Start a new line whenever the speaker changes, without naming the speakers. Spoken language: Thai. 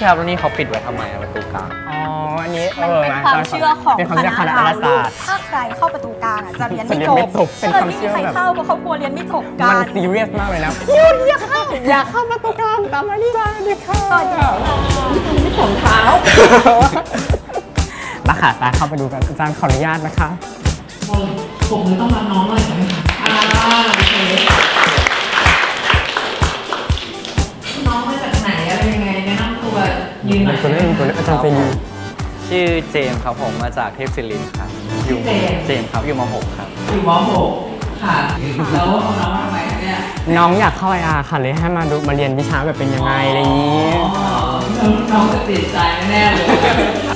ครับแล้วนี่เขาปิดไว้ทำไมประตูกลาง
อ๋ออันนี้
มันเป็นความเชื่อของคณะเราถ้าใครเข้าประตูกลางจะเรียนไม่จบ
เป็นความเชื่อแบบ
ใครเข้าเพราะเขากลัวเรียนไม่จบกัน
มันซีเรียสมากเลยนะอย่าเข้าประตูกลางตามมานี่จ้าดิค่ะ
ไม่ถงเท้า
มาค่ะตาเข้าไปดูกันอาจารย์ขออนุญาตนะคะ
ผมเลยต้องรับน้องหน่อยใช่ไหมคะโอเคน้องมาจากไหนอะไรยังไงแนะนำตัวยืนหน่อย
ตัวเล่นอาจารย์เจนี
ชื่อเจมส์ครับผมมาจากเทพศิรินทร์ครับอยู่เจมส์ครับอยู่ม.6 ครับ
อยู่ม.6 ค่ะแล้วเอาน้องมาทำไมเนี่ย
น้องอยากเข้าIRค่ะเลยให้มาเรียนวิชาแบบเป็นยังไงอะไรอย่างนี้
น้องจะติดใจแน่เลย